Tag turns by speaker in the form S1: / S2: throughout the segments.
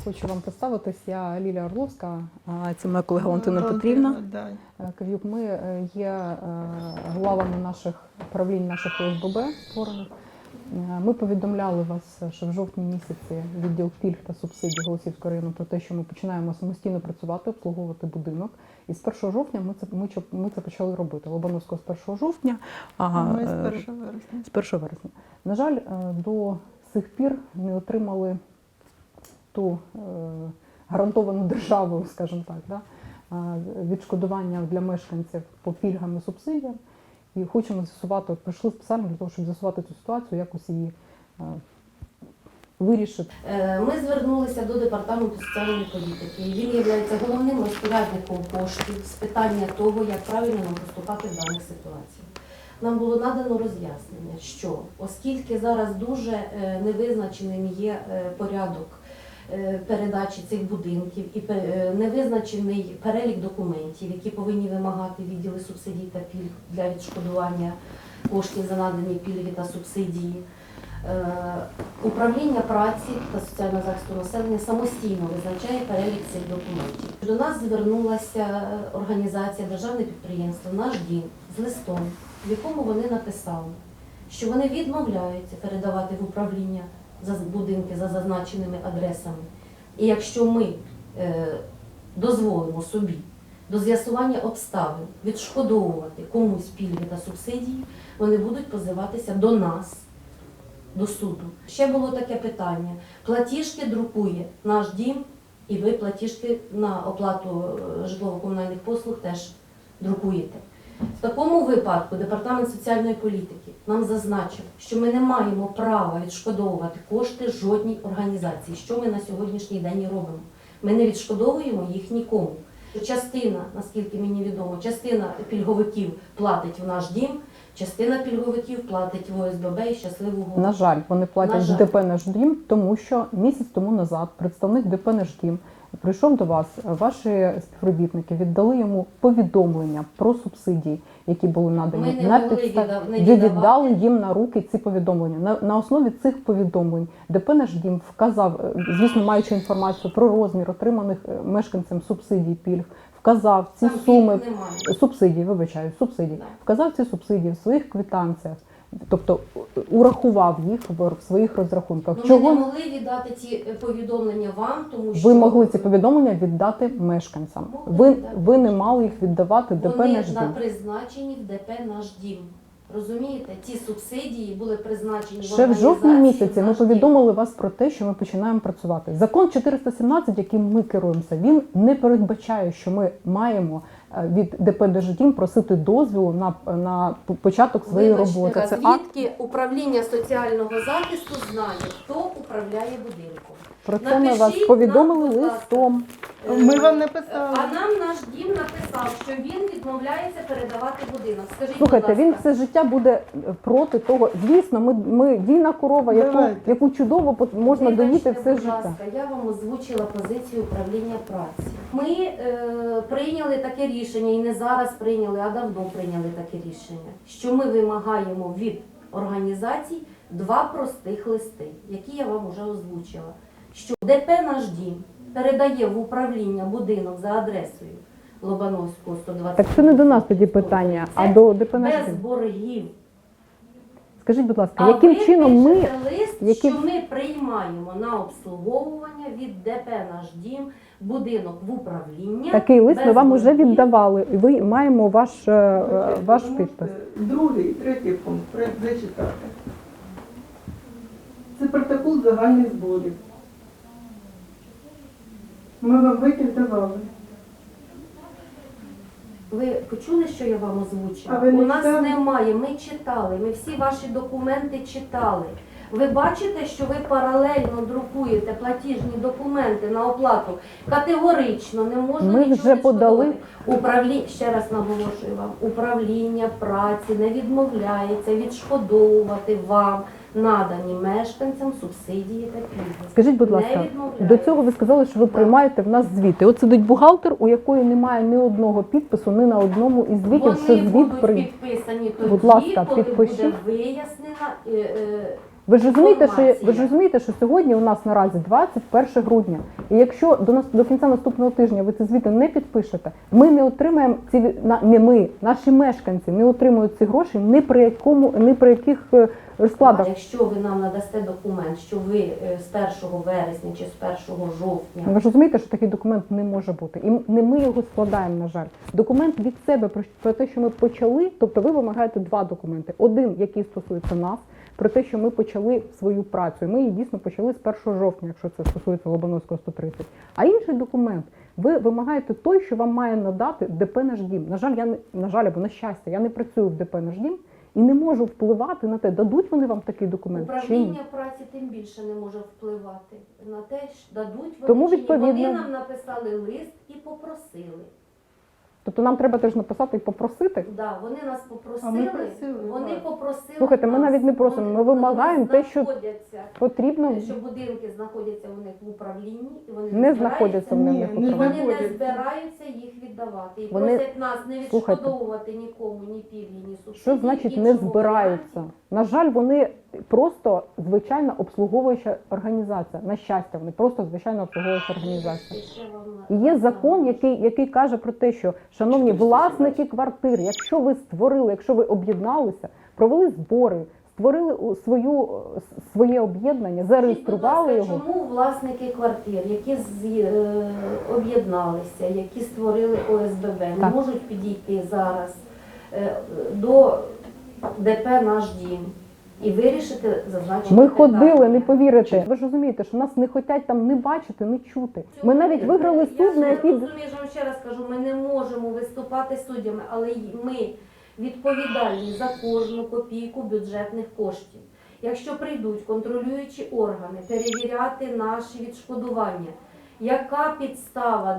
S1: Хочу вам представитись. Я Лілія Орловська, це моя колега Валентина Петрівна Кав'юк. Ми є главами наших правлінь, наших ОСББ створених. Ми повідомляли вас, що в жовтні місяці відділ пільг та субсидій Голосіївського району про те, що ми починаємо самостійно працювати, обслуговувати будинок. І з 1 жовтня ми це почали робити. Лобановського з 1 жовтня, а
S2: ми з 1 вересня.
S1: З 1 вересня. На жаль, до сих пір не отримали ту гарантовану державою, скажімо так, да, відшкодування для мешканців по пільгам і субсидіям. І хочемо з'ясувати, прийшли спеціально для того, щоб з'ясувати цю ситуацію, якось її вирішити.
S3: Ми звернулися до департаменту соціальної політики. Він є головним розпорядником коштів з питання того, як правильно нам поступати в даних ситуаціях. Нам було надано роз'яснення, що оскільки зараз дуже невизначеним є порядок передачі цих будинків і невизначений перелік документів, які повинні вимагати відділи субсидій та пільг для відшкодування коштів за надані пільги та субсидії, управління праці та соціального захисту населення самостійно визначає перелік цих документів. До нас звернулася організація Державне підприємство «Наш дім» з листом, в якому вони написали, що вони відмовляються передавати в управління будинки за зазначеними адресами. І якщо ми дозволимо собі до з'ясування обставин відшкодовувати комусь пільги та субсидії, вони будуть позиватися до нас, до суду. Ще було таке питання. Платіжки друкує «Наш дім», і ви платіжки на оплату житлово-комунальних послуг теж друкуєте. В такому випадку Департамент соціальної політики нам зазначив, що ми не маємо права відшкодовувати кошти жодній організації, що ми на сьогоднішній день і робимо. Ми не відшкодовуємо їх нікому. Частина, наскільки мені відомо, частина пільговиків платить в «Наш дім», частина пільговиків платить в ОСББ і «Щасливу голову».
S1: На жаль, вони платять в ДП «Наш дім», тому що місяць тому назад представник ДП «Наш дім» прийшов до вас, ваші співробітники віддали йому повідомлення про субсидії, які були надані. Ви віддали їм на руки ці повідомлення. На основі цих повідомлень ДП «Наш дім» вказав, звісно, маючи інформацію про розмір отриманих мешканцям субсидій, пільг, вказав ці суми, субсидії, вказав ці субсидії в своїх квитанціях. Тобто урахував їх в своїх розрахунках.
S3: Ми не могли віддати ці повідомлення вам, тому що...
S1: Ви могли ці повідомлення віддати мешканцям. Ви не мали їх віддавати ДП «Наш дім».
S3: Вони призначені в ДП «Наш дім». Розумієте? Ці субсидії були призначені в
S1: ще в жовтні місяці. Ми повідомили вас про те, що ми починаємо працювати. Закон 417, яким ми керуємося, він не передбачає, що ми маємо від ДП «Наш дім» просити дозволу на початок своєї роботи.
S3: Це звідки управління соціального захисту знає, хто управляє будинком?
S1: Про це ми вас повідомили листом.
S2: Ми вам не писали.
S3: А нам «Наш дім» написав, що він відмовляється передавати будинок. Скажіть,
S1: слухайте,
S3: будь ласка,
S1: він все життя буде проти того. Звісно, ми вільна корова, яку чудово можна доїти все життя.
S3: Будь ласка, я вам озвучила позицію управління праці. Ми прийняли таке рішення, і не зараз прийняли, а давно прийняли таке рішення, що ми вимагаємо від організацій два простих листи, які я вам вже озвучила. Що ДП «Наш дім» передає в управління будинок за адресою Лобановського, 120.
S1: Так це не до нас тоді питання, а до ДП «Наш дім».
S3: Без боргів.
S1: Скажіть, будь ласка, яким чином ми...
S3: лист, що ми приймаємо на обслуговування від ДП «Наш дім» будинок в управління.
S1: Такий лист ми вам вже
S3: боргів.
S1: віддавали, і ви маємо ваш підпис.
S2: Другий, третій пункт, зачитати. Це протокол загальних зборів. Ми вам витяг давали.
S3: Ви почули, що я вам озвучила?
S2: А ви не
S3: У нас
S2: читали?
S3: немає, ми читали, ми всі ваші документи читали. Ви бачите, що ви паралельно друкуєте платіжні документи на оплату. Категорично не можна
S1: Ми
S3: нічого
S1: вже подали.
S3: Ще раз наголошую вам, управління праці не відмовляється відшкодовувати вам надані мешканцям субсидії та пільги.
S1: Скажіть, будь ласка, до цього ви сказали, що ви приймаєте в нас звіти. От сидить бухгалтер, у якої немає ні одного підпису, ні на одному із звітів, що
S3: Вони
S1: звіт
S3: будуть підписані тоді,
S1: Будь ласка,
S3: коли
S1: підпишіть.
S3: буде вияснена
S1: Ви ж розумієте,
S3: інформація.
S1: що сьогодні у нас наразі 21 грудня. І якщо до кінця наступного тижня ви ці звіти не підпишете, ми не отримаємо не ми, наші мешканці не отримують ці гроші ні при яких розкладах.
S3: Якщо ви нам надасте документ, що ви з 1 вересня чи з 1 жовтня
S1: Ви ж розумієте, що такий документ не може бути. І не ми його складаємо, на жаль. Документ від себе про те, що ми почали, тобто ви вимагаєте два документи. Один, який стосується нас, про те, що ми почали свою працю. І ми її дійсно почали з 1 жовтня, якщо це стосується Лобановського 130. А інший документ, ви вимагаєте той, що вам має надати ДП «Наш дім». На жаль, або на щастя, я не працюю в ДП «Наш дім» і не можу впливати на те, дадуть вони вам такий документ чи ні.
S3: управління праці тим більше не може впливати на те, що дадуть вони
S1: Тому,
S3: чи ні.
S1: відповідно-
S3: Вони нам написали лист і попросили.
S1: Тобто нам треба теж написати і попросити.
S3: Да, вони нас
S2: А ми
S3: попросили,
S2: просили,
S3: вони
S2: так.
S3: попросили.
S1: Слухайте, ми
S3: нас,
S1: навіть не просимо, ми
S3: вони
S1: вимагаємо те, що
S3: знаходяться,
S1: потрібно.
S3: що будинки знаходяться у них в управлінні, і вони
S1: Не знаходяться в
S2: Ні,
S1: них
S2: не
S1: в
S3: І вони
S1: управлінні.
S3: не
S2: знаходяться.
S3: збираються їх віддавати. І
S1: Вони-
S3: просять нас не
S1: Слухайте.
S3: відшкодовувати нікому ні пільги, ні субсидії.
S1: Що значить
S3: в
S1: не
S3: іншому
S1: збираються?
S3: варіанті.
S1: На жаль, вони просто звичайна обслуговуюча організація. На щастя, вони просто звичайна обслуговуюча організація.
S3: Ще вам
S1: І є закон, який каже про те, що, шановні власники квартир, якщо ви створили, якщо ви об'єдналися, провели збори, створили своє об'єднання, зареєстрували
S3: Скажіть, будь
S1: його.
S3: ласка, чому власники квартир, які об'єдналися, які створили ОСББ, не
S1: Так.
S3: можуть підійти зараз до ДП «Наш дім» і вирішити зазначення
S1: Ми ходили,
S3: питання?
S1: не повірите. Ви ж розумієте, що нас не хочуть там не бачити, не чути. Ми навіть виграли суд, на який...
S3: Я розумію, що вам ще раз кажу, ми не можемо виступати суддями, але ми відповідальні за кожну копійку бюджетних коштів. Якщо прийдуть контролюючі органи перевіряти наші відшкодування, яка підстава,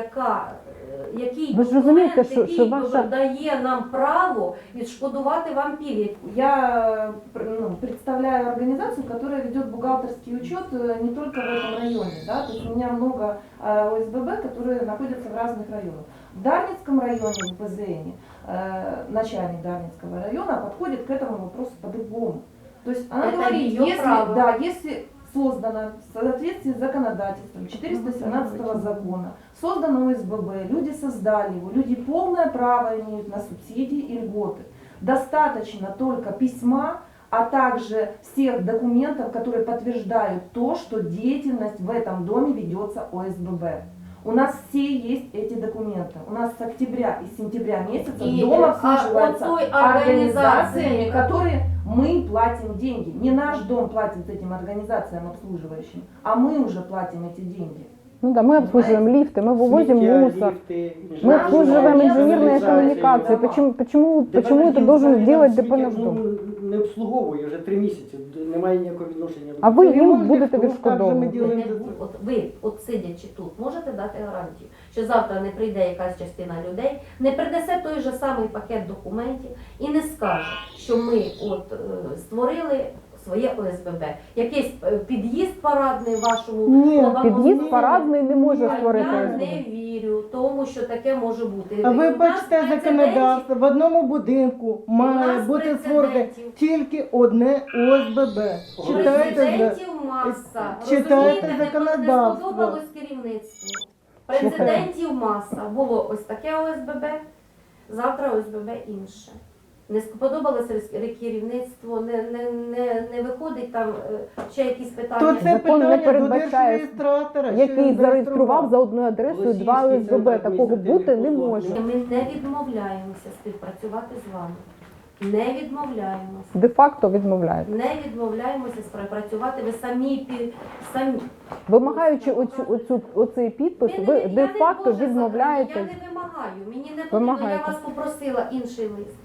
S3: який
S1: Ви ж
S3: документ,
S1: розумієте, що
S3: який
S1: ваша-
S3: дає нам право відшкодувати вам пільги?
S4: Я представляю организацию, которая ведет бухгалтерский учет не только в этом районе. Да? То есть у меня много ОСББ, которые находятся в разных районах. В Дарницком районе, в ПЗН, начальник Дарницкого района подходит к этому вопросу по-другому. То есть она
S3: Это
S4: говорит,
S3: её право.
S4: если создано в соответствии с законодательством 417 закона, создано ОСББ, люди создали его, люди полное право имеют на субсидии и льготы. Достаточно только письма, а также всех документов, которые подтверждают то, что деятельность в этом доме ведется ОСББ. У нас все есть эти документы. У нас с октября и сентября месяца
S3: И,
S4: дом обслуживается
S3: от той
S4: организациями,
S3: организации,
S4: которые мы платим деньги. Не наш дом платит этим организациям обслуживающим, а мы уже платим эти деньги.
S1: Ну да, мы обслуживаем лифты, мы вывозим
S5: Сміття,
S1: мусор.
S5: ліфти,
S1: Мы
S3: Наш
S1: обслуживаем
S3: дом,
S1: инженерные
S3: я
S1: коммуникации.
S4: знаю.
S1: Почему это
S5: Дім
S1: должен
S5: взагалі
S1: делать
S5: нам
S1: ДП
S5: сміття,
S1: «Наш дом»?
S5: не обслуговує вже 3 місяці, немає ніякого відношення.
S1: А ви їм
S2: Ремонт
S1: будете
S2: ліфтів, так же ми
S1: відшкодовувати.
S2: ділимо.
S3: От сидячи тут, можете дати гарантію, що завтра не прийде якась частина людей, не принесе той же самий пакет документів і не скаже, що ми створили своє ОСББ. Якийсь під'їзд парадний вашому
S2: Ні,
S3: Лобановському.
S1: Під'їзд парадний не може
S3: А
S1: створити
S3: я
S1: ОСББ.
S3: не вірю тому, що таке може бути.
S2: А ви
S3: У нас
S2: бачите законодавство, в одному будинку має
S3: нас
S2: бути створене
S3: прецедентів.
S2: тільки одне ОСББ. Читайте,
S3: Президентів маса.
S2: читайте
S3: Розумієте, не
S2: законодавство.
S3: сподобалось керівництву. Президентів маса. Було ось таке ОСББ, завтра ОСББ інше. Не сподобалося керівництво, не виходить там ще якісь питання.
S2: То це
S1: Закон не
S2: питання до
S1: передбачає,
S2: держреєстратора, що
S1: який
S2: він
S1: зареєстрував за одною адресою два
S5: Російський
S1: ОСББ.
S5: центр
S1: Такого бути не
S5: адміністративних
S1: може.
S3: Ми не відмовляємося співпрацювати з вами. Не відмовляємося.
S1: Де-факто відмовляють.
S3: Не відмовляємося співпрацювати. Ви самі.
S1: Вимагаючи оцей підпис, ви
S3: Я не
S1: де-факто
S3: можу
S1: відмовляєте.
S3: Я не вимагаю. Мені не потрібно.
S1: Вимагаєте.
S3: Я вас попросила інший лист.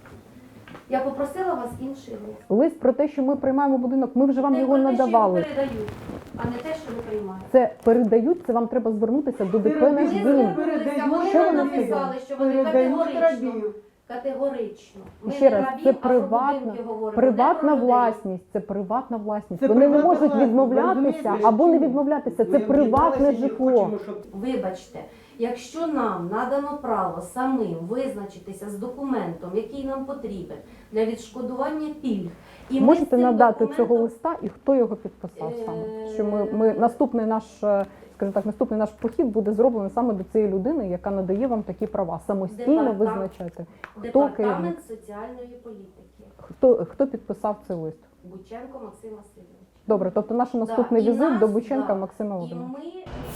S3: Я попросила вас інший лист.
S1: Лист про те, що ми приймаємо будинок, ми вже вам
S3: Не
S1: його
S3: про те, що
S1: надавали.
S3: передають, а не те, що ви приймаєте.
S1: Це передають, це вам треба звернутися до ДП «Наш
S3: Вони
S1: дім».
S3: звернулися, вони
S1: Що
S3: нам
S1: вони
S3: написали, що вони
S2: передають
S3: категорично.
S2: рабів.
S3: Категорично. Ми
S1: Ще
S3: не
S1: раз,
S3: рабів,
S1: це
S3: а про
S1: приватна,
S3: будинки говоримо.
S1: приватна
S3: Не про людей.
S1: власність, це приватна власність.
S2: Це
S1: Вони не
S2: приватна
S1: можуть
S2: власність, ви
S1: відмовлятися
S2: розумієте,
S1: або не
S2: чи ні?
S1: відмовлятися. Це
S5: Ми
S1: приватне
S5: об'єдналися і
S1: житло.
S5: хочемо, щоб
S3: Вибачте, якщо нам надано право самим визначитися з документом, який нам потрібен для відшкодування пільг, і ми з
S1: Можете
S3: цим
S1: надати
S3: документом-
S1: цього листа і хто його підписав саме? Що ми наступний наш, скажімо так, наступний наш похід буде зроблений саме до цієї людини, яка надає вам такі права. Самостійно
S3: Департамент-
S1: визначати, хто керівник,
S3: Департамент соціальної політики.
S1: хто підписав цей лист.
S3: Бученко Максим Васильович.
S1: Добре, тобто наш наступний
S3: Да, і
S1: візит
S3: нас,
S1: до Бученка
S3: да,
S1: Максима
S3: І
S1: Володимировича.
S3: ми